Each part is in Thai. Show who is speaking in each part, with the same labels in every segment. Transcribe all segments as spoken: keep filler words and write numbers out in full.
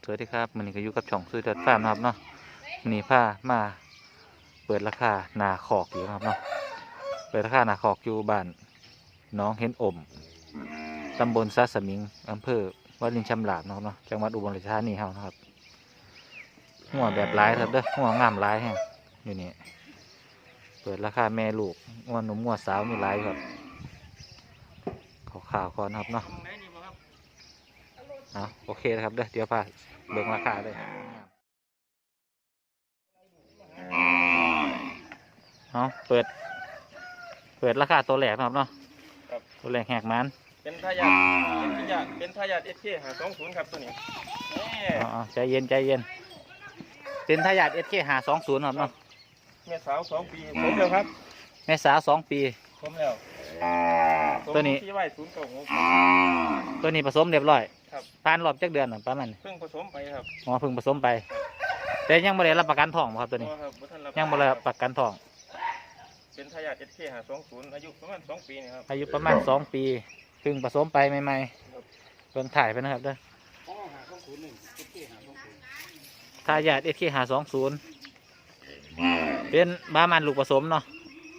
Speaker 1: สวัสดีครับมันนี้ก็อยู่กับช่องซื้อเดือดฟาร์มนะครับเนาะมันนี้พามาเปิดราคานาขอกอยู่นะครับเนาะเปิดราคานาขอกอยู่บ้านน้องเห็นอมตำบลซาสมิงอำเภอวารินชำราบนะครับเนาะจังหวัดอุบลราชธานีเฮานะครับหัวแบบร้ายครับเด้อหัวงามร้ายแฮงอยู่นี่เปิดราคาแม่ลูกหัวหนุ่มหัวสาวมีร้ายครับขาวๆก่อนครับเนาะเอาโอเคนะครับเด้อเดี๋ยวพาเบิ่งราคาเลยเอาเปิดเปิดราคาตัวแรกนะครับเนาะตัวแรกแหกมัน
Speaker 2: เป็นทายาทเป็นทายาทเป็นทายาทเอสเคหาสองศูนย์ครับตัวนี้
Speaker 1: อ๋อใจเย็นใจเย็นเป็นทายาทเอสเคหาสองศูนย์ครับเนาะ
Speaker 2: แม่สาวสองปีครบแล้วครับ
Speaker 1: แม่สาวสองปี
Speaker 2: ครบแล้ว
Speaker 1: ตัวนี้
Speaker 2: ที่ไว้ศูนย์เก้าหก
Speaker 1: ตัวนี้ผสมเรียบร้อยผ่านรอบจักเดือนหรือประมาณ
Speaker 2: เพิ่งผสมไปครับ
Speaker 1: อ๋อเพิ่งผสมไปแต่ยังไม่ได้รับประกันทองครับตัวนี้ยังไม่ได้รับประกันทอง
Speaker 2: เป็นทายาทเอสเคหาสองศูนย์อายุประมาณสองปีนะครับ
Speaker 1: อายุประมาณสองปีเพิ่งผสมไปใหม่ๆเพิ่งถ่ายไปนะครับเด้อทายาทเอสเคหาสองศูนย์เป็นบ้ามันลูกผสมเนาะ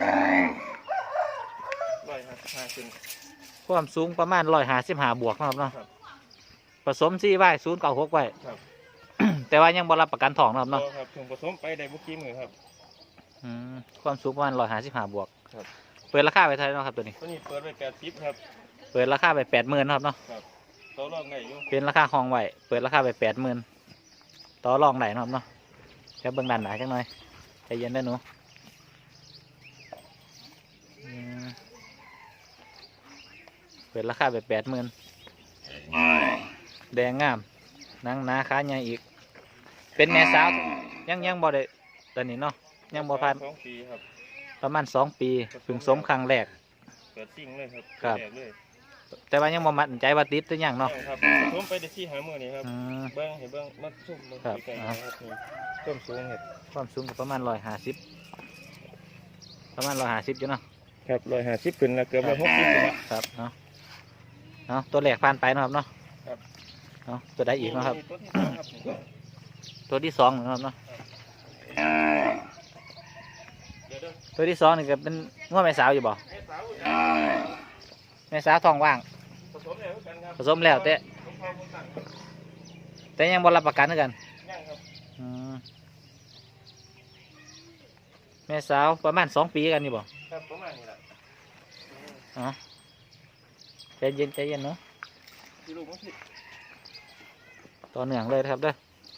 Speaker 2: ร้อยห้าสิบห้าขึ้น
Speaker 1: ความสูงประมาณร้อยห้าสิบห้าบวกนะครับเนาะผสมซี่ไว้ศูนย์เก้าหกไว้แต่ว่ายังบรับประกันทองนะครับเนาะ
Speaker 2: ครับถึงผสมไปได้บุกี้มือครับ
Speaker 1: ความสูงประมาณร้อยห้าสิบห้าบวกเปิดราคาไปเท่าไหร่นะครับตัวนี้
Speaker 2: ตัวนี้เปิดไปแปดสิบครับ
Speaker 1: เปิดราคาไปแปดหมื่นครับเนาะ
Speaker 2: ต่อรองได้อยู่
Speaker 1: เป็นราคาห้องไหวเปิดราคาไปแปดหมื่นต่อรองไหนนะครับเนาะแค่เบื้องด้านหนาจังหน่อยใจเย็นได้หนูเปิดราคาไปแปดหมื่นแดงงามนังนาค้าใหญ่อีกเป็นแม่สาวยังยังบ่ได้ตอนนี้เนาะยังบ่พันประมาณสองปีเพิ่งสมครั้งแรก
Speaker 2: เกิดซิ่งเลยครับ
Speaker 1: ครับแต่ว่ายังบ่มั่นใจว่าติดหรือยังเนาะ
Speaker 2: ครับสมไปได้ที่หามือนี่ครับเบิ้งเห็นเบิ้งมัดซุ่มเบิ้งไก่ครับต้นสูงเห็ด
Speaker 1: ความสูงประมาณร้อยห้าสิบประมาณร้อยห้าสิบอยู่เนาะ
Speaker 2: ครับร้อยห้าสิบขึ้นแล้วเกือบร้อยหกสิบแล้ว
Speaker 1: ครับเนาะเนาะตัวแรกผ่านไปนะครับเนาะเนาะตัวได้อีกนะครับตัวที่สองนะครับเนาะตัวที่สองนี่ก็เป็นง้อแม่สาวอยู่บ่แม่สาวทองว่างผสมแล้วแต่แต่ยังบรับประกันเหมือนกันแม่สาวประมาณสองปีกันอยู่บ่
Speaker 2: ครับประมาณนี้แหละ
Speaker 1: อ๋อใจเย็นใจเย็นเนาะต่อเนื่องเลยครับเด้อ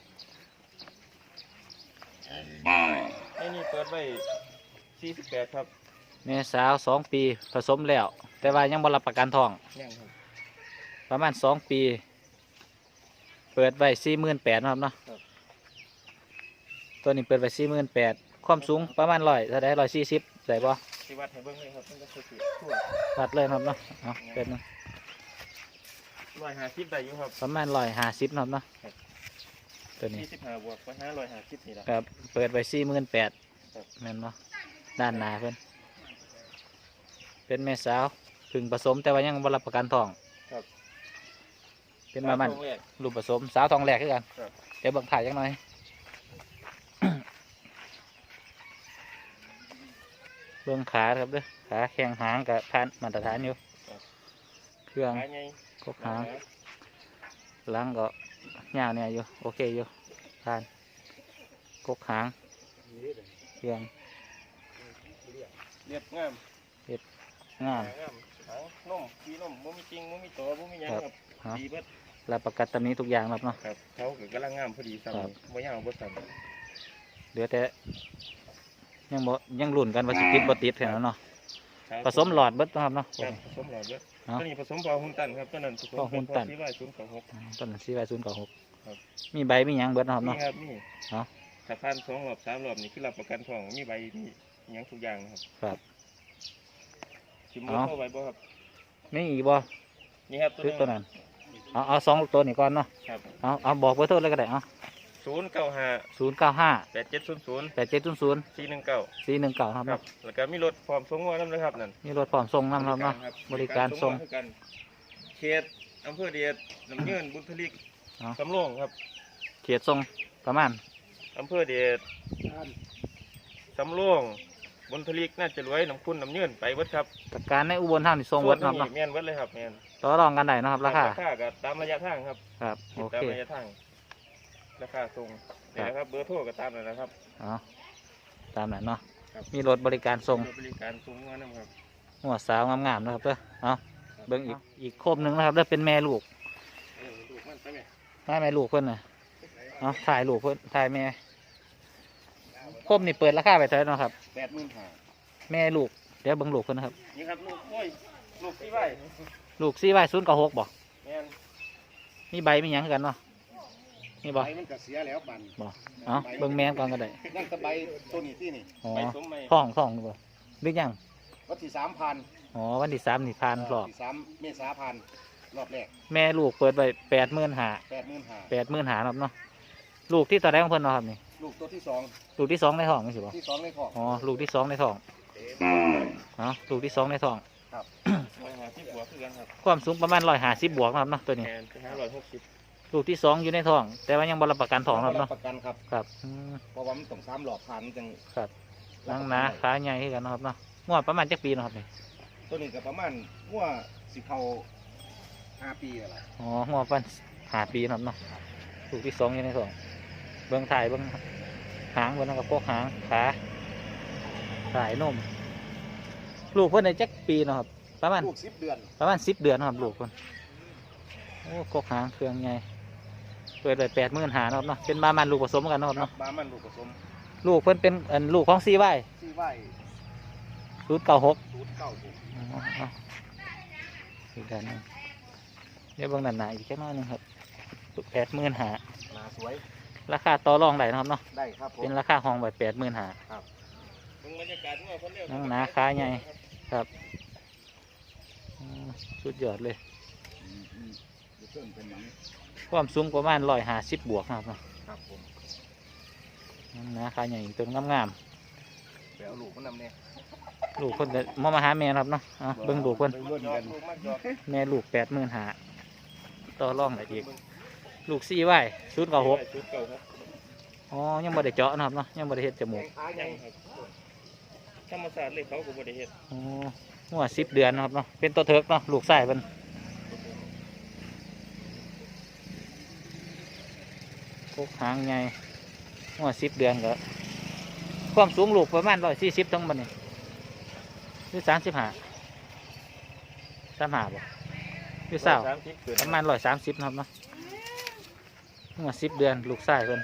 Speaker 2: ไอ้นี่เปิดไว้สี่สิบแปดครับ
Speaker 1: แม่สาวสองปีผสมแล้วแต่ว่ายังบรับประกันทองประมาณสองปีเปิดไว้สี่หมื่นแปดนะครับเนาะตัวนี้เปิดไว้สี่หมื่นแปดความสูงประมาณร้อยเท่าไรร้อยสี่สิบได้ปะ
Speaker 2: วัดให้เบิ้งเลยครับมันจะสุด
Speaker 1: วัดเลยครับเนาะเอาเป็น
Speaker 2: ร้อยห้าสิบได้อยู่ครับ
Speaker 1: ประมาณร้อยห้าสิบนะครับเนาะตัวนี้
Speaker 2: สี่สิบห้าบวกไปห้าร้อยห้าสิบนี่แหละ
Speaker 1: ครับเปิดไว้สี่หมื่นแปดแม่นเนาะด้านหน้าเพิ่นเป็นแม่สาวถึงผสมแต่ว่ายังบรับประกันทองเป็นประมาณลูกผสมสาวทองแหลกขึ้นกันเดี๋ยวเบิ่งถ่ายยังหน่อยเบื้องขาครับเด้อขาแข้งหางกับพันมาตรฐานอยู่เครื่องกบหางหลังก็ยาวเนี่ยอยู่โอเคอยู่พันกบหางเครื่อง
Speaker 2: เรียบงาม
Speaker 1: เรียบงาม
Speaker 2: นุ่มมีนุ่มมุ้มีจริงมุ้มีตัวมุ้มียังครับดีเบิด
Speaker 1: รับประกันตำนี้ทุกอย่างครับเนาะ
Speaker 2: ครับเขาเกิดกำลังงามพอดีสั่งไม่ยาวบ่สั่ง
Speaker 1: เหลือแต่ยังบ่ยังลุ่นกันว่าสิติดบ่ติดแค่นั้นเนาะผสมหลอดเบิดนะครับเนาะ
Speaker 2: ผสมหลอดเบิดตัวนี้ผสมพอหุ่นตันครับตัวนั้นผสม
Speaker 1: พอหุ่นตัน
Speaker 2: ซีไว้ศูนย์เก้าหก
Speaker 1: ต้นนั้นซีไว้ศูนย์เก้าหกมีใบมีหยังเบิดนะครับเนาะ
Speaker 2: มีครับมีเนาะถ้าพันสองรอบสามรอบนี่คือรับประกันทองมีใบมีหยังทุกอย่างนะครับ
Speaker 1: ครับ
Speaker 2: ชิมมือเข้าใบบ่ครับ
Speaker 1: มีอีกบ่
Speaker 2: นี่ครับ
Speaker 1: ตัวนั้นเอาเอาสองตัวนี้ก่อนเนาะเอาเอาบอกเบอร์โทรเลยก็ได้เอา
Speaker 2: ศูนย์เก้าห้า
Speaker 1: ศูนย์เก้าห้า
Speaker 2: แปดเจ็ดศูนย์ศูนย์
Speaker 1: แปดเจ็ดศูนย์ศูนย์
Speaker 2: สี่หนึ่งเก้า
Speaker 1: สี่หนึ่งเก้าครับ
Speaker 2: แล้วก็มีรถพร้อมส่งงวดน้ำนะครับนั่น
Speaker 1: มีรถพร้อมส่งน้ำครับเนาะบริการส่ง
Speaker 2: เขตอำเภอเดียดน้ำเงินบุญทลิกสำโรงครับ
Speaker 1: เขตทรงประมาณ
Speaker 2: อำเภอเดชสำโรงบนทลิกน่าจะรวยน้ำคุณน้ำเยื่นไปวัดครับ
Speaker 1: แต่การในอุบลท่านี่ทรงวัดเนาะ
Speaker 2: แม่นวัดเลยครับแม่น
Speaker 1: ต่อรองกันได้เนาะครับราคา
Speaker 2: ราคาก็ตามระยะทางครับ
Speaker 1: ครับโอ
Speaker 2: ตาม
Speaker 1: เค
Speaker 2: ระยะทางราคาส่งนี่นะครับเบอร์โทรก็ตามนั่นนะครับ
Speaker 1: เอาตามนั้นเนาะ
Speaker 2: ครับ
Speaker 1: มีรถบริการส่ง
Speaker 2: บริการส่งงานนะครับ
Speaker 1: หัวสาวงามๆนะครับเด้อเอาเบิ่งอีกอีกโคมหนึ่งนะครับเด้อเป็นแม่ลูก
Speaker 2: เออลูกมันไปไหม
Speaker 1: แม่แม่ลูกเพิ่นน่ะเอาถ่ายลูกเพิ่นถ่ายแม่โคมนี่เปิดราคาไปเท่าไหร่เนาะครับ
Speaker 2: แปดหมื่นห้า
Speaker 1: แม่ลูกเดี๋ยวเบิ่งลูกเพิ่นนะครับ
Speaker 2: นี่ครับลูกโอ้ยลูกที่ไหว
Speaker 1: ลูกซี่ไว้ศูนย์กับหกบ่
Speaker 2: แม่น
Speaker 1: มีใบมีหยังคือกันเนาะมีบ่
Speaker 3: ใบมันก็เสียแล้วบัน
Speaker 1: บ่เอาเบิ่งแม่ก่อนก็ได้
Speaker 3: นั่นก็ใบตัวนี้ที่นี่
Speaker 1: อ๋อ
Speaker 2: ไปสมไหม
Speaker 1: ท้องท้องนี่บ่หรือยัง
Speaker 3: วันที่สามพัน
Speaker 1: อ๋อวันที่สามนี่ผ่านรอบ
Speaker 3: ที่สามเมษาพันรอบแรก
Speaker 1: แม่ลูกเปิดไว้แปดหมื่นห้า
Speaker 3: แปดหมื่นห้า
Speaker 1: แปดหมื่นห้าครับเนาะลูกที่ต่อได้ของเพิ่นเนาะครับนี่
Speaker 3: ลูกตัวที่สอง
Speaker 1: ลูกที่สองในท้องนี่สิบ่
Speaker 3: ที่สองในคอก
Speaker 1: อ๋อลูกที่สองในท้องอ๋อลูกที่สองในท้อง
Speaker 2: ร้อยห้าสิบหัวคือกันครับ
Speaker 1: ความสูงประมาณร้อยห้าสิบบวกนะครับเนาะตัวนี้
Speaker 2: แม่นไปหาร้อยหกสิบ
Speaker 1: ลูกที่สองอยู่ในท้อง แต่ว่ายังบรับประกันท้องครับเนาะ
Speaker 3: ประกันครับ
Speaker 1: ครับอืม
Speaker 3: เพราะว่ามันต้องสามหลอดพันจัง
Speaker 1: ครับนังหนาขาใหญ่ขึ้นกันเนาะครับเนาะงวดประมาณจักปีเนาะครับนี่
Speaker 3: ตัวนี้ก็ประมาณหัวสิเขาห้าปีอะไร
Speaker 1: อ๋องวดประมาณห้าปีเนาะครับเนาะลูกที่สองอยู่ในท้องเบื้องถ่ายเบื้องหางเบื้องกับพวกหางขาสายนมลูกเพิ่นในจักปีเนาะครับประมาณ
Speaker 3: ลูกสิบเดือน
Speaker 1: ประมาณสิบเดือนเนาะครับลูกเพิ่นโอ้กกหางเครื่องใหญ่เปิดไปแปดหมื่นหาเนาะครับเนาะเป็นบามันลูกผสมกันเนาะครับ
Speaker 3: ครั
Speaker 1: เนาะ
Speaker 3: บบ้ามันลูกผสม
Speaker 1: ลูกเพิ่นเป็นอันลูกของซีไว้
Speaker 3: ที่ไหว
Speaker 1: ศูนย์เก้าหก
Speaker 3: ศูนย์เก้าหก
Speaker 1: อีกด้านหนึงเดี๋ยวเบางด้านหน้าอีกแค่น้อยหนึงครับแปดหมื่นหา
Speaker 3: หนาสวย
Speaker 1: ราคาต่อรองได้นะครับเนาะ
Speaker 3: ได้ครับผม
Speaker 1: เป็นราคาห้องไว้แปดหมื่นหา
Speaker 2: มึงบรรยากาศเมื่อคนเร็ว
Speaker 1: นั่งหนาขาใหญ่ครับอืมสุดยอดเลย
Speaker 3: อืมอืมเดี๋ยวเพิ่มเป็นหนัง
Speaker 1: ความสูงประมาณร้อยห้าสิบบวกนะครับเนาะ
Speaker 3: ครับผม
Speaker 1: นั่งหนาขาใหญ่อีกตัวงาม
Speaker 3: ไปเอาลูกมันนำเนี่ย
Speaker 1: ๆลูกเพิ่นก็มามาหาแม่นะครับเนาะเอาเบิ่งลูกเพิ่น
Speaker 3: ไปรุ่น
Speaker 2: จอ
Speaker 3: กั
Speaker 2: ด
Speaker 3: น
Speaker 2: ลูกมากจอด
Speaker 1: แม่ลูกแปดหมื่นหาต่อรองได้อีกลูกซี่ไว้ศูนย์เก้าหก
Speaker 2: ชุดเก่าครับ
Speaker 1: อ๋อยังบ่ได้เจาะนะครับเนาะยังบ่ได้เฮ็ดจมูก
Speaker 3: ขาให
Speaker 2: ยั
Speaker 3: ญ่
Speaker 2: งครับธรรมศาสตร์เลยเขาก็บริเหตุ
Speaker 1: อ๋อหัวสิบเดือนนะครับเนาะเป็นตัวเถิกเนาะลูกไส้เพิ่นพวกหางใหญ่หัวสิบเดือนก็ความสูงลูกประมาณร้อยสี่สิบทั้งหมดนี่หรือสามสิบห้าสามห้าบ่หรือเศร้า
Speaker 2: สามสิบเกิด
Speaker 1: ประมาณร้อยสามสิบนะครับเนาะหัวสิบเดือนลูกไส้เพิ่น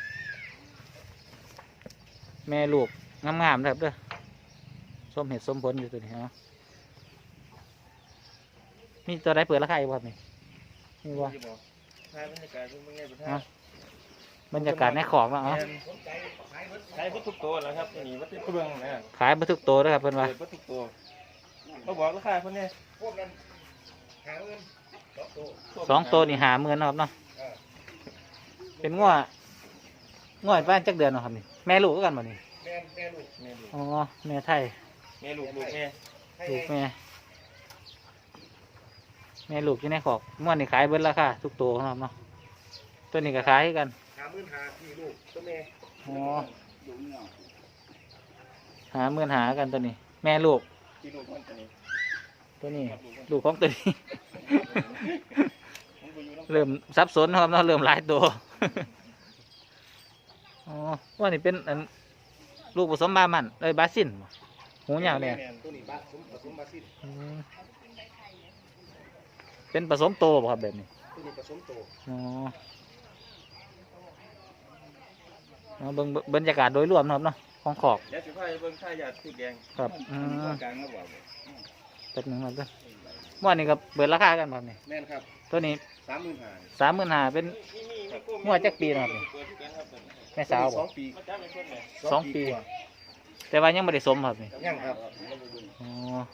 Speaker 1: แม่ลูกงามๆนะครับเด้อสมเหตุสมผลอยู่ตัวนี้เนาะมีตัวใดเปิดราคาอีกบ่ครับนี่มีบ่
Speaker 2: ถ่ายบรรยากาศมึงไงประธา
Speaker 1: อ่ะ
Speaker 2: น
Speaker 1: บรรยากาศในของเนาะเอา
Speaker 2: ใช้วัตถุโตแล้วครับนี่วัตถุเบื้องนะ
Speaker 1: ขายบัทุกตัวนะครับเพิ่นว่า
Speaker 2: เปิดวัตถุโตเขาบอกราคาเพิ่นเนี่ย
Speaker 3: พวกนั้นหาเงินสองตัว
Speaker 1: สองตัวนี่หาเมือนนาะครับเนาะเป็นง้อง้อบ้านจักเดือนเนาะครับนี่แม่ลูกก็กันบ่นี่
Speaker 3: แม่แม่ลูก
Speaker 2: แม่ลูก
Speaker 1: อ๋อแม่ไทย
Speaker 2: แม่ลูกลูกแม่
Speaker 3: ให้
Speaker 1: ลูกแม่แม่ลูกอยู่ในขอกม้วนนี่ขายเบิดราคาทุกตัวนะครับเนาะตัวนี้ก็ขายคือกัน
Speaker 3: หาหมื่นหาที่ลูกตัวแม่
Speaker 1: อ๋อ
Speaker 3: อยู่เงา
Speaker 1: หาเมือนหากันตัวนี้ แม่ลูก
Speaker 2: ที่ลูกมันตัวนี้
Speaker 1: ตัวนี้ ลูกของตัวนี้
Speaker 2: มันไปอยู่น้ำ
Speaker 1: เริ่มสับสนนะครับเนาะเริ่มหลายตัว อ๋อว่านี่เป็นอันลูกผสมบามันเอ้ยบาซินบ่หูยาวเนี่ย
Speaker 3: ตัวนี้บ้าสมผสมบาซิล
Speaker 1: อืมเป็นผสมโตบ่ครับแบบนี้
Speaker 3: ตัวนี้ผสมโต
Speaker 1: อ๋อเอาเบิ่งเบิ่งบรรยากาศโดยรวมนะครับเนาะของขอก
Speaker 2: เดี๋ยวสิพาไปเบิ่งท่ายาสีแดง
Speaker 1: ครับอืม
Speaker 3: กลางแล้วบ่าว
Speaker 1: แป๊บหนึงครับเด้อว่านี่ก็เปิดราคากันบ่ครับนี่
Speaker 3: แม่นครับ
Speaker 1: ตัวนี้
Speaker 3: สามหมื่นห้า
Speaker 1: สามหมื่นห้าเป็น งวดจักปีนะครับนี่
Speaker 2: เปิดที่กันครับเปิด
Speaker 1: แม่สาว
Speaker 3: ส
Speaker 1: บ่
Speaker 3: องปี
Speaker 2: มาจ้าเป็นคนเนี่ย
Speaker 1: สองปี
Speaker 3: กว่า
Speaker 1: แต่ว่ายังไม่ได้สมครับนี่
Speaker 3: ยังครับ
Speaker 1: อ๋อ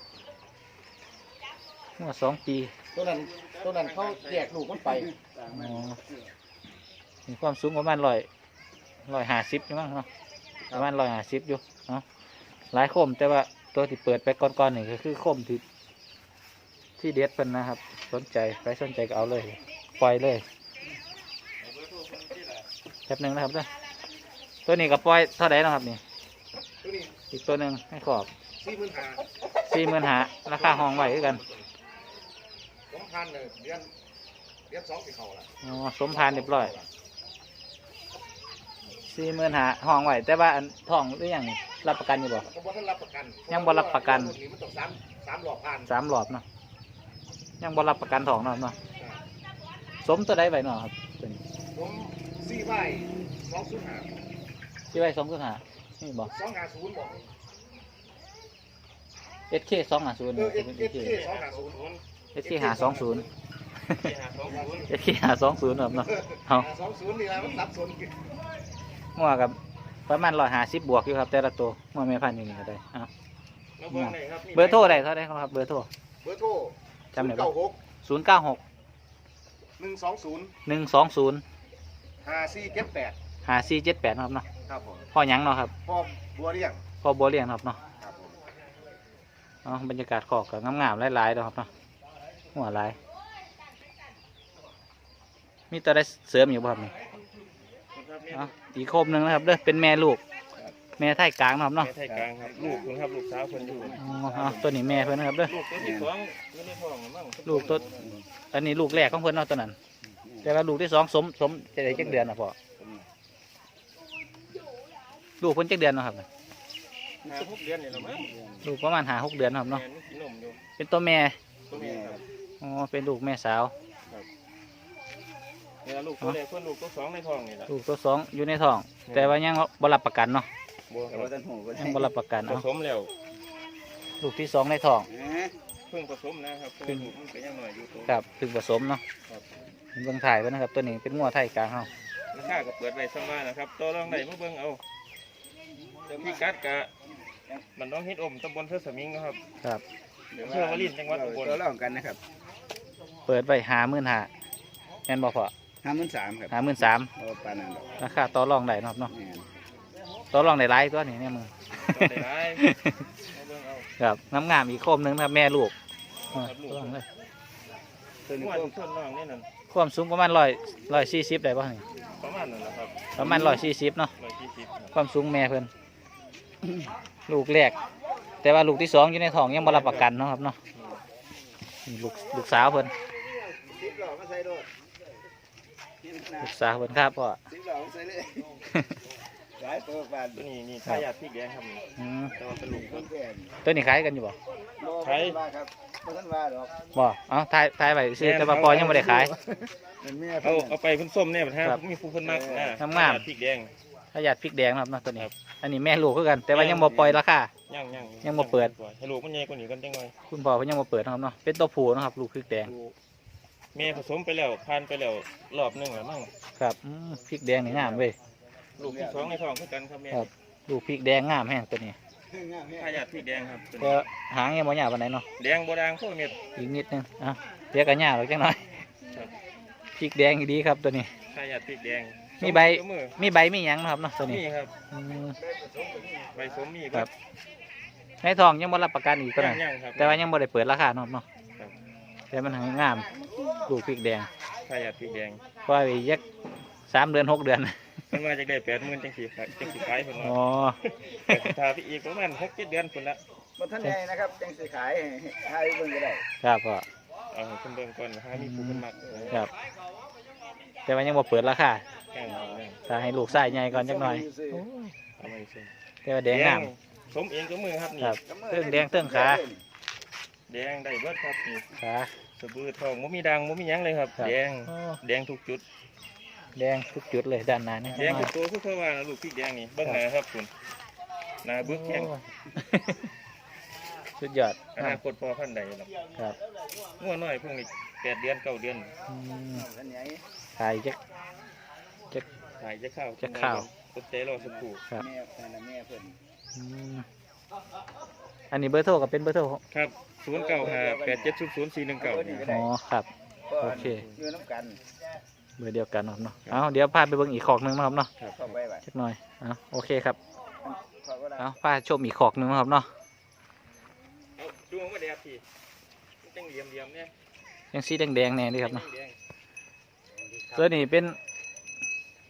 Speaker 1: หัวสองปี
Speaker 3: ตัวนั้นตัวนั้นเขาแยกลูกมันไป
Speaker 1: อ๋อมีความสูงประมาณร้อยร้อยห้าสิบอยู่มั้งเนาะประมาณร้อยห้าสิบอยู่เนาะหลายโคมแต่ว่าตัวที่เปิดไปก่อนๆนี่ก็คือโคมที่ที่เด็ดเป็นนะครับ สนใจใครสนใจก็เอาเลยปล่อยเลย
Speaker 2: เอาเบอร์โทรคนที่ละ
Speaker 1: แป๊บหนึงนะครับเด้อตัวนี้ก็ปล่อยเท่าไหร่นะครับนี่
Speaker 3: ตัวนี้
Speaker 1: อีกตัวหนึ่งให้ขอบ
Speaker 3: สี่หมื่นห้า
Speaker 1: สี่หมื่นหาราคาห้องไว้คือกัน
Speaker 3: สองพันเลยเดือนเดือนสองสี่เขาละ
Speaker 1: อ๋อสมพานเรียบร้อยสี่หมื่นหาห้องไว้แต่ว่าอันทองหรือยังรับประกันอยู่บ่
Speaker 3: เขาบอกท่านรับประกัน
Speaker 1: ยังบ่รับประกัน
Speaker 3: ตัวนี้มันต้องสามสามหลอกพัน
Speaker 1: สามหลอดเนาะยังบ่รับประกันทองเนาะเนาะสมตัวใดไว้เนาะครับตัวนี้
Speaker 3: ผมสี่ใบสองศูนย์ห้า
Speaker 1: ที่ไว้สองศูนย์หานี่บ่
Speaker 3: สองห้าศูนย์บอก
Speaker 1: เอสเคสองห้าศูนย์
Speaker 3: เออเอสเอสเคสองห้าศูนย์
Speaker 1: เอสเคหาสองศูนย์
Speaker 2: ที่หาสองศูนย์
Speaker 1: เอสเคหาสองศูนย์ครับเนาะเอา
Speaker 3: สองศูนย์นี่แหละมันสับสน
Speaker 1: งัวกับประมาณร้อยห้าสิบบวกอยู่ครับแต่ละตัวงัวแม่พันธุ์อยู่นี่ก็ได้เอา
Speaker 2: มาเบิ่งหน่อยครับนี่
Speaker 1: เบอร์โทรได้เท่าไหร่ครับเบอร์โทร
Speaker 3: เบอร์โทร
Speaker 1: จำได้ปะ
Speaker 3: เก้าหก
Speaker 1: ศูนย์เก้าหก
Speaker 3: หนึ่งสองศูนย์
Speaker 1: หนึ่งสองศูนย์
Speaker 3: ห้าสี่เจ็ดแปด
Speaker 1: หาสี่เจ็ดแปดครับเนาะ
Speaker 3: ครับผม
Speaker 1: พ่อหยังเนาะครับ
Speaker 3: พ่อบัวเรียง
Speaker 1: พ่อบัวเลี้ยงครับเนาะ
Speaker 3: ครับผม
Speaker 1: อ๋อบรรยากาศขอกกับงามๆหลายๆเนาะครับเนาะหัวหลายมีตัวได้เสริมอยู่บ่ครับนี่
Speaker 2: ครับนี่
Speaker 1: อ๋ออีกโคมหนึ่งนะครับเด้อเป็นแม่ลูก แม่ไทยกลางเนาะครับเนาะ
Speaker 2: แม่ไทยกลางครับลูกคุณครับลูกสาวคนอยู่
Speaker 1: อ๋ออ๋อตัวนี้แม่เพิ่นนะครับเด้อ
Speaker 2: ลูกตัวที่สองอยู่ในท้องมั้ง
Speaker 1: ลูกตัวอันนี้ลูกแรกของเพิ่นเนาะตัวนั้น แต่ว่าลูกที่สองสมสมจะได้จักเดือนนะพ่อลูกเพิ่นจักเดือนเนาะครับ
Speaker 2: หาหกเดือนนี่ละมั้ง
Speaker 1: ลูกประมาณหาหกเดือนเนาะครับ
Speaker 2: แม่
Speaker 1: เนาะ
Speaker 2: นี่กินนมอยู่
Speaker 1: เป็นตัวแม่
Speaker 2: ตัวแม่ครับ
Speaker 1: อ๋อเป็นลูกแม่สาว
Speaker 2: เนี่ยลูกตัวแรกคนลูกตัวสองในท้องนี่แหละ
Speaker 1: ลูกตัวสองอยู่ในท้อง แต่ว่ายังบ่รับประกันเนาะ
Speaker 2: บัวครับ
Speaker 1: ยังบ่รับประกัน
Speaker 2: ผ
Speaker 1: เอา
Speaker 2: สมแล้ว
Speaker 1: ลูกที่สองในท้อง
Speaker 2: เพิ่งผสมนะครับเพิ่งลูกมันก็ยังน้อยอยู่ตัว
Speaker 1: ครับถึงผสมเนาะ
Speaker 2: ครับ
Speaker 1: เบิ่งถ่ายไว้นะครับตัวนี้เป็นงัวไทยกลางเฮา
Speaker 2: ราคาก็เปิดไว้สมานะครับตัวรองได้มาเบิ่งเอาเดี๋ยวพี่กัดกะมันน้องเฮ็ดอมตำบลเทือสมิงนะครับ
Speaker 1: ครับ
Speaker 2: อำเภอวลินจังหวัดอุบล
Speaker 3: ตัวเล่ากันนะครับ
Speaker 1: เปิดไว้หาหมื่นหาแม่นบ่พอ
Speaker 3: ห้าหมื่นสามครับ
Speaker 1: หาหมื่นสาม
Speaker 3: โอ้ปานนั้นดอก
Speaker 1: ราคาต่อรองได้เนาะครับเนาะ
Speaker 3: แม่น
Speaker 1: ต่อรองได้หลายตัวนี่เนี่ยมึง
Speaker 2: ตัวได้หลายมาเบิ่งเอา
Speaker 1: ครับน้ำงามอีกโคมหนึงนะครับแม่ลูกอ่าต่อรองเลย
Speaker 3: ตัวนี้
Speaker 2: ม่ว
Speaker 3: ก็
Speaker 2: นส่วนน้องนี่นั่น
Speaker 1: ความสูงประมาณร้อยร้อยสี่สิบได้ป่ะนี่
Speaker 2: ประมาณนั้นนะครับ
Speaker 1: ประมาณร้อยสี่สิบเนาะ
Speaker 2: ร้อยยี่สิบครับ
Speaker 1: ความสูงแม่เพิ่นลูกแรก แต่ว่าลูกที่สองอยู่ในท้องยังบ่รับประกันเนาะครับเนาะนี่ลูกลูกสาวเพิ่น
Speaker 3: สิบหล่อมาใส่โดด
Speaker 1: ลูกสาวเพิ่นครับพ่อ
Speaker 3: สิบหล่อมาใส่เลยหลายตัวปาน
Speaker 2: ตัวนี้นี่ทายาทพริกแดงครับนี่
Speaker 1: อืม
Speaker 2: แต่ว่าเป็นลูก
Speaker 3: ต้นแก่น
Speaker 1: ตัวนี้ขายกันอยู่บ่
Speaker 3: ใช้มาครับบ่ทันว่าดอก
Speaker 1: บ่เอ้าทายทายไว้ซื้อแต่ว่าพอยังบ่ได้ขาย
Speaker 3: เป็นแม่
Speaker 2: เอาเอาไปเพิ่นส้มเนี่ยมันฮะ
Speaker 1: ครับ
Speaker 2: มีผู้เพิ่นมากนะ
Speaker 1: งามๆ
Speaker 2: ทยพริกแดง
Speaker 1: ถ้าอยากพริกแดงนะครับเนาะตัวนี้ อันนี้แม่ลูกคือกัน แต่ว่ายังบ่ปล่อยราคา
Speaker 2: ย่างย่าง
Speaker 1: ยังบ่เปิด
Speaker 2: ให้ลูกมันใหญ่กว่านี้กันจังหน่อย
Speaker 1: คุณพ่อเพิ่นยังบ่เปิดนะครับเนาะ เป็นตัวผู้นะครับ ลูกพริกแดง
Speaker 2: ลูกแม่ผสมไปแล้วผ่านไปแล้วรอบหนึงแล้วมั้ง
Speaker 1: ครับอืมพริกแดงนี่งามเว้ย
Speaker 2: ลูกที่สองในท้องคือกันครับแม่
Speaker 1: ครับ ลูกพริกแดงงามแฮงตัวนี้
Speaker 2: ทายาทพริกแดงครับตัว
Speaker 1: แต่
Speaker 2: นี้
Speaker 1: หางยังบ่ยาวปานใดเนาะ
Speaker 2: แดงบ่ด่างพวกเม็ด
Speaker 1: อีกนิดนึงอ่ะเดี๋ยวก็ยาวอีกจังหน่อย
Speaker 2: ครับ
Speaker 1: พริกแดงดีครับตัวนี้
Speaker 2: ทายาทพริกแดง
Speaker 1: มีใบ
Speaker 2: สมือ
Speaker 1: มีใบมีหยังนะครับเนาะตัวนี้
Speaker 2: นี่ครับ
Speaker 1: อืม
Speaker 2: ใบสมมี
Speaker 1: ครับ ในทองยังบ่รับประกันอีกตัว
Speaker 2: ย่า
Speaker 1: นั้
Speaker 2: ง
Speaker 1: น
Speaker 2: ย่างครับ
Speaker 1: แต่ว่ายังบ่ได้เปิดราคาเนาะครับเนาะ
Speaker 2: ครับ
Speaker 1: แต่มันหางงาม ลูกพริกแดง
Speaker 2: ทายาทพริกแดง
Speaker 1: เพราะว่าอีกยักสามเดือนหกเดือน
Speaker 2: มันมาจากได้แปดหมื่นจังสี่ขายจังสี่ขายคน
Speaker 1: อ๋
Speaker 2: ละ
Speaker 1: อ
Speaker 2: แต่ทาพี่อีกประมาณหกเจ็ดเดือนคนละ
Speaker 3: บ่ทันใหญ่นะครับจังสิขายให้เบิ่งก็ได้
Speaker 1: ครับพ่อ
Speaker 2: เอาให้คนเบิ่งก่อนหามีผู้คนมัก
Speaker 1: ครับ แต่ว่ายังบ่เปิดราคา
Speaker 2: แข่งเอาเนี่ย
Speaker 1: ถ้าให้ลูกไส้ใหญ่ก่อนจักหน่อย
Speaker 2: เอามาสิ
Speaker 1: แต่ว่าแดงงาม
Speaker 2: สมเองก็มือครับนี่
Speaker 1: ครับเตื้องแดงเตื้องขา
Speaker 2: แดงได้เบิดครับนี่
Speaker 1: ขา
Speaker 2: สะบือทองมุมีดังมุมีหยังเลยครับ
Speaker 1: ครับ
Speaker 2: แดง
Speaker 1: โอ้
Speaker 2: แดงทุกจุด
Speaker 1: แดงทุกจุดเลยด้านหน้านี่
Speaker 2: แดงทุกตัวคือเขาว่านะลูกพริกแดงนี่เบิ่งหน้าครับคุณหน้าเบึกแข็ง
Speaker 1: โอ้ สุดยอด
Speaker 2: อนาคตพอพันใดหรอก
Speaker 1: ครับ
Speaker 2: งัวน้อยพวกนี้แปดเดือนเก้าเดือน
Speaker 1: อืม
Speaker 3: ทันใหญ่
Speaker 1: ถ่ายจัก
Speaker 2: ถ่ายจะเข้า
Speaker 1: จะเข้า
Speaker 2: อดใจรอสักครู่
Speaker 1: ครับ
Speaker 3: แม่นั่นน่ะแม่เพิ่น
Speaker 1: อืมอันนี้เบอร์โทรก็เป็นเบอร์โทร
Speaker 2: ครับศูนย์เก้าห้าแปดเจ็ดศูนย์ศูนย์สี่หนึ่งเก้า
Speaker 1: อ๋อครับ
Speaker 3: ก็
Speaker 1: โอเค
Speaker 3: อยู่น้ำกัน
Speaker 1: เบอร์เดียวกันเนาะเนาะเอาเดี๋ยวพาไปเบิ่งอีกขอกหนึงนะครับเนาะ
Speaker 3: เข้าไปไว้
Speaker 1: สักหน่อยเอาโอเคครับ
Speaker 3: เข้าก็ได้
Speaker 1: เอาพาชมอีกขอกหนึงนะครับเนาะ
Speaker 2: เอาดูมาแดดพี่มันจังเหลี่ยมเหลี่ยมๆเนี่ย
Speaker 1: ยังสีแดงๆแน่ดีครับเนาะ
Speaker 2: แดง
Speaker 1: ตัวนี้เป็น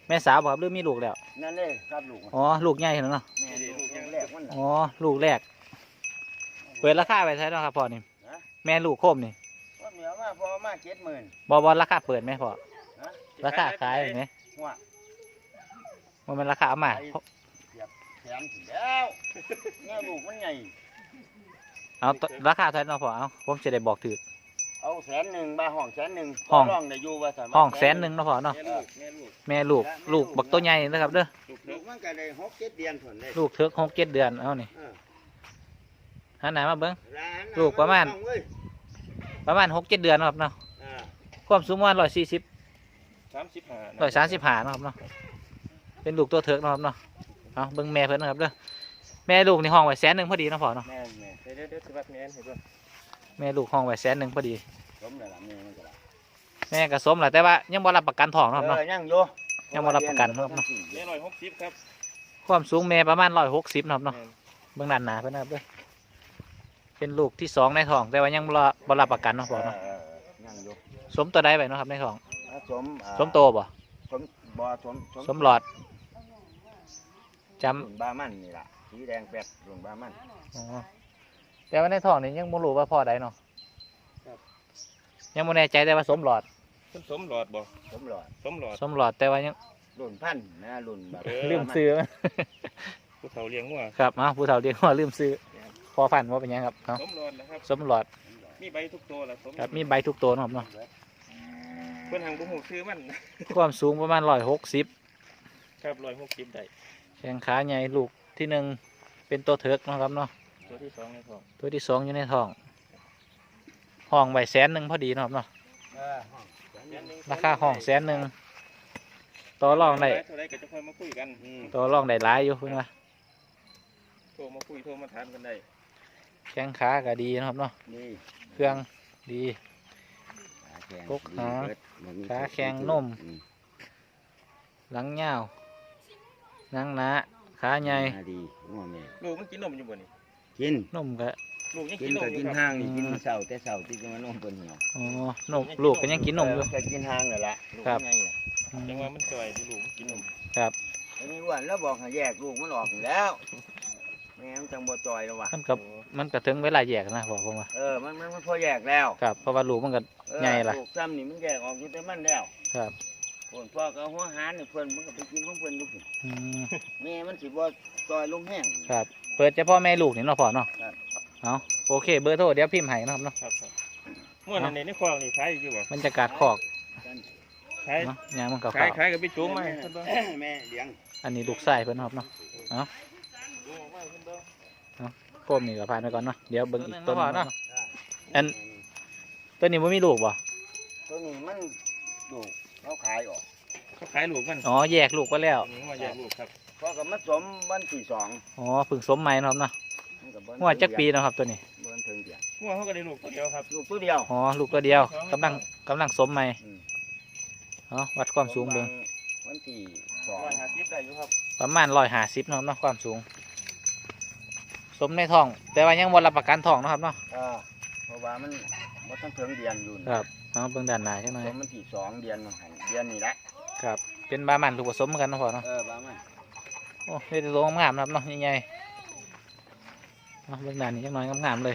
Speaker 1: แม่สาวบ่ครับหรือมีลูกแล้ว
Speaker 3: นั่นเลยครับลูก
Speaker 1: อ๋อลูกใหญ่แล้วเนาะ
Speaker 3: แม่ลูกยังแรกมัน
Speaker 1: อ๋อลูกแรกเปิดราคาไปเท่าไหร่เนาะครับพ่อนี่แม่ลูกโคมนี่
Speaker 3: ว่าเหมียวมาพอมาเจ็ดหมื่น
Speaker 1: บ่บ่ราคาเปิดไหมพ่อราคาขายไหม
Speaker 3: หัว
Speaker 1: มันเป็นราคาเอามา
Speaker 3: แถมถึงแล้วแม่ลูกมันใหญ่
Speaker 1: เอาตราคาเท่าไหร่เนาะพ่อเอาผมจะได้บอกถือ
Speaker 3: เอาแสนหนึ่งบาห้องแสนหนึ่ง
Speaker 1: ห้อง
Speaker 3: ร้องได้อยู่ว่าสามารถ
Speaker 1: ห้องแสนหนึ่งเนาะพ่อเนาะ
Speaker 2: แม่ลูกแม่ลูก
Speaker 1: แม่ลูกลูกบักตัวใหญ่นะครับเด้อ
Speaker 2: ลูก
Speaker 3: ลู
Speaker 2: เล็
Speaker 3: ก
Speaker 2: ก
Speaker 3: มันก็ได้หกเจ็ดเดือนผลเลย
Speaker 1: ลูกเถิกหกเจ็ดเดือนเอานี่
Speaker 3: เออ
Speaker 1: หันหน้ามาเบิ้ง
Speaker 3: ร้าน
Speaker 1: ลูกประมาณ
Speaker 3: เอเว้ย
Speaker 1: ประมาณหกเจ็ดเดือนเนาะครับเนาะ
Speaker 3: อ่า
Speaker 1: ความสูงประมาณร้อยสี่สิบ
Speaker 2: สามสิบห้า
Speaker 1: ร้อยสามสิบห้าเนาะครับเนาะเป็นลูกตัวเถิกเนาะครับเนาะเอาเบิ้งแม่เพิ่นนะครับเด้อแม่ลูกในห้องไว้แสนหนึ่งพอดีเนาะพ่อเนาะ
Speaker 3: แม่นแม่
Speaker 2: เดี๋ยวเดี๋ยวเดี๋ยวสิวัดแม่นให้เบิ่ง
Speaker 1: แม่ลูกห้องไว้แสนหนึ่งพอดี
Speaker 3: สมแล้วล่ะแม่มันก็ได้
Speaker 1: แม่ก็สมแหละแต่ว่ายังบ่รับประกันทองเนาะครับเนาะ
Speaker 3: เออยังอยู่
Speaker 1: ยังบ่รับประกันครับเนาะ
Speaker 2: แม่ร้อยหกสิบครับ
Speaker 1: ความสูงแม่ประมาณร้อยหกสิบนาะครับเนาะ
Speaker 2: แม่น
Speaker 1: เบื้องด้านหน้าเพื่อนนะครับเด้อเป็นลูกที่สองในท้อง แต่ว่ายังบ่รอบรับประกันเนาะพ่อเนาะ
Speaker 3: เออเออยังอยู่
Speaker 1: สมตัวใดไปเนาะครับในท้อง
Speaker 3: อ่าสมอ่า
Speaker 1: สมโตบ่
Speaker 3: สมบ่สม
Speaker 1: สมหลอดจ
Speaker 3: รุ่นบามันนี่ล่ะสีแดงแปดรุ่นบามัน
Speaker 1: ำอ๋อแต่ว่าในท้องนี่ยังบ่รู้ว่าพ่อใดเนาะยังบ่แน่ใจแต่ว่าสมหลอด
Speaker 2: เพิ่นสมหลอดบ่
Speaker 3: สมหลอด
Speaker 2: สมหลอด
Speaker 1: สมหลอดแต่ว่ายัง
Speaker 3: รุ่นพันธุ์นะรุ่นแบบ
Speaker 2: เออ
Speaker 1: ลืมซื้อมัน
Speaker 2: ผู้เฒ่าเลี้ยงงัว
Speaker 1: ครับอ้าวผู้เฒ่าเรียกว่าลืมซื้อพอฟันว่าเป็นหยังครับเอา
Speaker 2: สมหลอดนะครับ
Speaker 1: สมหลอด
Speaker 2: มีใบทุกตัวละสม
Speaker 1: ครับมีใบทุกตัวเนาะครับเนาะ
Speaker 2: เพิ่นหังบ่ฮู้ชื่อมัน
Speaker 1: ความสูงประมาณร้อยหกสิบ
Speaker 2: ครับร้อยหกสิบได้
Speaker 1: แข้งขาใหญ่ลูกที่หนึ่งเป็นตัวเถิกเนาะครับเนาะ
Speaker 2: ตัวที่สองในท้อง
Speaker 1: ตัวที่สองอยู่ในท้องห้องไว้แสนหนึ่งพอดีเนาะครับเนาะ
Speaker 3: เออห้องแสนหนึ่ง
Speaker 1: ราคาห้องแสนหนึ่งต่อรองได้
Speaker 2: เท่าไรก็จะค่อยมาคุยกัน
Speaker 3: อืม
Speaker 1: ต่อรองได้หลายอยู่เพื่อนว่า
Speaker 2: โทรมาคุยโทรมาถามกันได้
Speaker 1: แข้งขาก็ดีเนาะครับเนาะ
Speaker 3: นี่
Speaker 1: เครื่องดี
Speaker 3: ขาแข็ง
Speaker 1: กกหาง
Speaker 3: ดีเบิดบ่มี
Speaker 1: ขาแข็งนม
Speaker 3: อื
Speaker 1: หลังยาวหนังหนาขาใหญ่
Speaker 3: ขาดีงัวแม่
Speaker 2: ลูกมันกินนมอยู่บ่นี่
Speaker 3: กิน
Speaker 1: นมก็
Speaker 2: ลูกยัง
Speaker 3: กิ
Speaker 2: กิ
Speaker 3: น
Speaker 2: นนม
Speaker 3: ก็
Speaker 2: อยู่
Speaker 3: กิน
Speaker 2: ครับ
Speaker 3: ห้างนี่กินเช้าแต่เช้าที่จะมานมเปิ้นเหี่ยว
Speaker 1: อ๋อนมลูกก็ยังกินนมอยู่
Speaker 3: เก็กินห้างนั่นแหละลูก
Speaker 1: ครับ
Speaker 3: ไงน่ะ
Speaker 1: อืม
Speaker 2: จังว่ามันจ่อยที่ลูกมันกินนม
Speaker 1: ครับ
Speaker 3: อันนี้อ้วนแล้วบอกให้แยกลูกมันออกอยู่แล้วแม่มันจังบ่จอยแล้วว่ะ
Speaker 1: มันก็มันก็ถึงเวลาแยกนะบอกผมว่า
Speaker 3: เออมันมันมันพอแยกแล้ว
Speaker 1: ครับเพราะว่าลูกมันก็
Speaker 3: เออ
Speaker 1: ใหญ่ล่ะ
Speaker 3: ลูกซ้ำนี่มันแยกออกอยู่แต่มันแล้ว
Speaker 1: ครับ
Speaker 3: คนพ่อก็เอาหัวหารนี่เพิ่นมันก็ไปกินของเพิ่นอยู่พุ่น
Speaker 1: อืม
Speaker 3: แม่มันสิบ่จอยลงแห้ง
Speaker 1: ครับเปิดเฉพาะแม่ลูกนี่เนาะพ่อเนาะ
Speaker 3: ครับ
Speaker 1: เอาโอเคเบอร์โทรเดี๋ยวพิมพ์ให้นะครับเนาะ
Speaker 2: ครับครับเมื่อนั้นในในคลองนี่ขายอยู่บ่
Speaker 1: บรรยากาศคอก
Speaker 2: ขาย
Speaker 1: เนาะยางมันเก่า
Speaker 2: ขายขายกับไปจูงมาให้เพิ่นเบิ่ง
Speaker 3: แม่เลี้ยง
Speaker 1: ๆอันนี้ลูกไส้เพิ่นนะครับเนาะ
Speaker 2: จูงออกมาให้เพิ่นเบิ่ง
Speaker 1: โคมนี่ก็ผ่านไปก่อนเนาะเดี๋ยวเบิ่งอีกต้นหนึ่งเนาะ อัน ตัวนี้บ่มีลูกบ่
Speaker 3: ตัวนี้มันลูกเขาขายออก
Speaker 2: เขาขายลูกมัน
Speaker 1: อ๋อแยกลูกไปแล้ว
Speaker 2: นี่ว่าแยกลูกครับ
Speaker 3: เพราะกับมันสมวันที่สอง
Speaker 1: อ๋อเพึ่งสมใหม่เนาะครับเนาะ
Speaker 3: มันก็เบิ่
Speaker 1: หัวจักปีเนาะครับตัวนี้
Speaker 3: เบิ่นถึงเดียว
Speaker 2: งัวเขาก็ได้ลูกตัวเดียวครับ
Speaker 3: ลูกตัวเดียว
Speaker 1: อ๋อลูกตัวเดียวกำลังกำลังสมใหม่
Speaker 3: อืม
Speaker 1: เนาะวัดความสูงเบิ่ง
Speaker 3: วันที่สอง
Speaker 2: ร้อยห้าสิบได้อยู่ครับ
Speaker 1: ประมาณร้อยห้าสิบเนาะเนาะความสูง สมในท้อง แต่ว่ายังบ่รับประกันท้องเนาะครับเนาะ
Speaker 3: เออเพราะว่ามันมันต้องถึงเดือนอยู่นะครับ
Speaker 1: เอาเบิ่งด้านหน้าจังหน่อย
Speaker 3: สมวันที่สองเดือนมันหันเดือนนี้แหละ
Speaker 1: ครับ เป็นบามันลูกผสมเหมือนกันเนาะพ่อเนาะ
Speaker 3: เออบ้ามัน
Speaker 1: โอ้เฮ็ดตัวงามๆนะครับเนาะใหญ่ๆเอาเบิ่งด้านนี้จังหน่อยงามๆเลย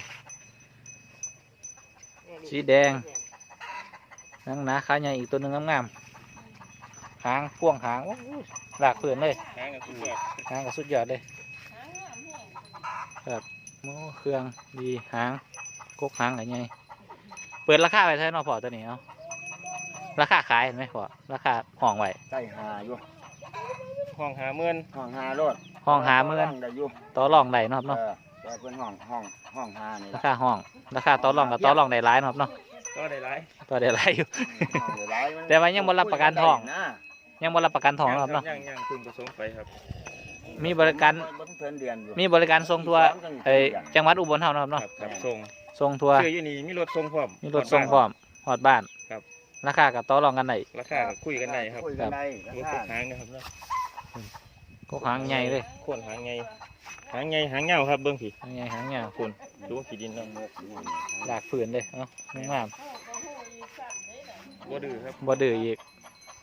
Speaker 1: สีแดง หนังหนาขาใหญ่อีกตัวหนึงงามๆหางพ่วงหางโอ้ยหลากเพื่อนเลย
Speaker 2: หางกับสุดยอด
Speaker 1: หางก็สุดยอดเลยครับโอ้เครื่องดีหางกกหางอะไรไงเปิดราคาไปเท่าไหร่เนาะพอตัวนี้เนาะราคาขายเห็นไหมพอราคาห้องไว้
Speaker 3: ใต้หาอยู่
Speaker 2: ห้องหาเมื่น
Speaker 3: ห้องหาโลด
Speaker 1: ห้องหาเมื่อน
Speaker 3: ได้อยู่
Speaker 1: ต่อรองได้เนาะครับ
Speaker 3: เอ
Speaker 1: เนาะ
Speaker 3: อแต่เป็นห้องห้องห้องหานี่
Speaker 1: รา
Speaker 3: ล่ะ
Speaker 1: คาห้องราคาต่อรองกับต่อรองได้หลายเนาะครับเนาะ
Speaker 2: ก็ได้หลาย
Speaker 1: ต่อได้หลายอยู่
Speaker 3: ห้องเดี๋ยวหลายมัน
Speaker 1: แต่ว่ายังบ่รับประกันทอง
Speaker 3: นะ
Speaker 1: ยังบ่รับประกันทองเนาะครับเนาะ
Speaker 2: ยังยังคุณผสมไปครับ
Speaker 1: มีบริการ
Speaker 3: บ่ถึงเดือนอยู่
Speaker 1: มีบริการส่งทัวร์เอ้ยจังหวัดอุบลเฮาเนาะครับ
Speaker 2: ครั
Speaker 1: เนาะ
Speaker 2: บครับส่ง
Speaker 1: ส่งทัวร์
Speaker 2: ชื่ออยู่นี่มีรถส่งพร้อม
Speaker 1: มีรถส่งพร้อมฮอดบ้าน
Speaker 2: ครับ
Speaker 1: ราคากับต่อรองกันได้
Speaker 2: ราคาก็คุยกันได้ครับ
Speaker 3: คุยกันได้
Speaker 2: รถ
Speaker 3: รา
Speaker 2: พว
Speaker 3: คาก
Speaker 2: หางนะครับเนาะ
Speaker 1: กกหางใหญ่เลย
Speaker 2: โคนหางไงหางไงหางเงาครับเบิ้งผี
Speaker 1: หางใหญ่หางยาวคุณ
Speaker 2: ดูว่าขี้ดินเนาะ
Speaker 1: หลากฝืนเลยเนาะงาม
Speaker 2: บ่ดื้อครับ
Speaker 1: บ่ดื้ออีก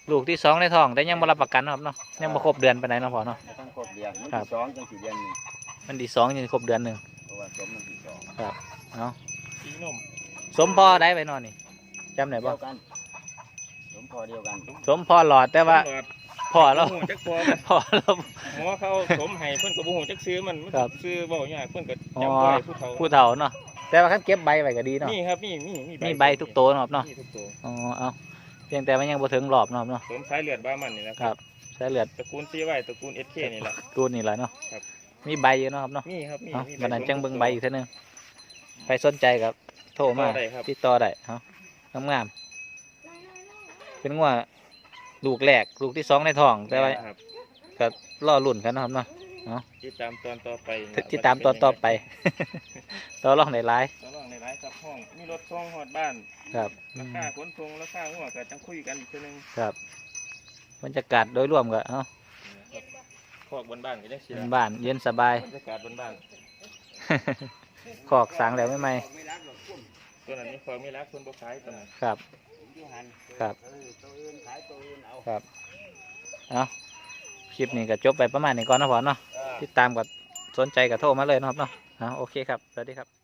Speaker 1: ลูกที่สองในท้องแต่ยังบ่รับประกันเนาะครับเนาะยังบ่ครบเดือนไปไหนใดเนาะพ่อเนาะ
Speaker 3: บ่ต้องครบเดือนมัน
Speaker 1: ครั
Speaker 3: ที่
Speaker 1: บ
Speaker 3: สองจังสี่เดือนหนึง
Speaker 1: มันที่สองยังครบเดือนหนึ่ง
Speaker 3: เพราะว่าสมมันที่สอง
Speaker 1: ครับเนาะ
Speaker 2: สีนม
Speaker 1: สมพ่อได้ไปนอนนี่จำได้
Speaker 3: เดี
Speaker 1: บ่
Speaker 3: ยวกันสมพอเดียวกัน
Speaker 1: สมพ่อหลอดแต่ว่า
Speaker 2: ตำรจ
Speaker 1: พ่อเรา
Speaker 2: บ่ฮู้จักพอมัน
Speaker 1: พ่อเรา
Speaker 2: หมอเขาสมให้เพิ่นก็บ่ฮู้จักซื้อมันมัน
Speaker 1: ครับ
Speaker 2: ซื้อบ่ยากเพิ่นก็
Speaker 1: อ๋อ
Speaker 2: จำไว้ผู้เฒ่า
Speaker 1: ผู้เฒ่าเนาะแต่ว่าคันเก็บใบไว้ก็ดีเนาะ
Speaker 2: นี่ครับนี่มีมี
Speaker 1: มีใบทุกโตวเนาะครับเนาะ
Speaker 2: มีทุกตัว
Speaker 1: อ๋อเอาเพียงแต่มันยังบ่ถึงรอบเนาะครับเนาะ
Speaker 2: สมสายเลือดบ้ามันนี่นะ
Speaker 1: ครับใช้เลือด
Speaker 2: ตระกูลซีไว้ตระกูล เอส เค นี่แหละ
Speaker 1: กูนี่แหละเนาะ
Speaker 2: ครับ
Speaker 1: มีใบอยู่เนาะครับเนาะ
Speaker 2: มีครับมี
Speaker 1: เอา
Speaker 2: มี
Speaker 1: วันนั้น
Speaker 2: สม
Speaker 1: จังเบิ่ง
Speaker 2: ทุก
Speaker 1: ใบ
Speaker 2: ตัว
Speaker 1: อีกเท่านึงไปสนใจกับโทรมา
Speaker 2: ติดต่อได้ครับ
Speaker 1: ติดต่อได้เอางามๆเป็นงัวลูกแรกลูกที่สองในท้องแต่ว่า
Speaker 2: ครับ
Speaker 1: ก็รอลุ่นกันเนาะครับเนาะ
Speaker 2: ติดตามตอนต่อไป
Speaker 1: ติดตามตอนต่อไป ต่อรองในไลน์
Speaker 2: ต่อรองในไลฟ์ครับห้องมีรถส่งฮอดบ้าน
Speaker 1: ครับอื
Speaker 2: ราม คาขนส่งราคาหัวก็จังคุยกันอีกทีนึง
Speaker 1: ครับบรรยากาศโดยรวมก็เอ้า
Speaker 2: ครับคอกบนบ้านก็ได้สิ
Speaker 1: เป็น
Speaker 2: ละ
Speaker 1: บ้านเย็นสบาย
Speaker 2: บรรยากาศบนบ้าน
Speaker 1: ขอกสางแล้วไม่ไหม
Speaker 2: ตัวนั้นนี่คอกไม่รักคนบ่ขายตัวนั้น
Speaker 1: ครับ
Speaker 3: อยู่หัน
Speaker 1: ครับ
Speaker 3: เออตัวอื่นขายตัวอื่นเอา
Speaker 1: ครับเอาคลิปนี้ก็จบไปประมาณนี้ก่อนนะพ่อเนาะ
Speaker 3: อ่า
Speaker 1: ติดตามกับสนใจกับโทรมาเลยเนาะครับเนาะเอาโอเคครับ สวัสดีครับ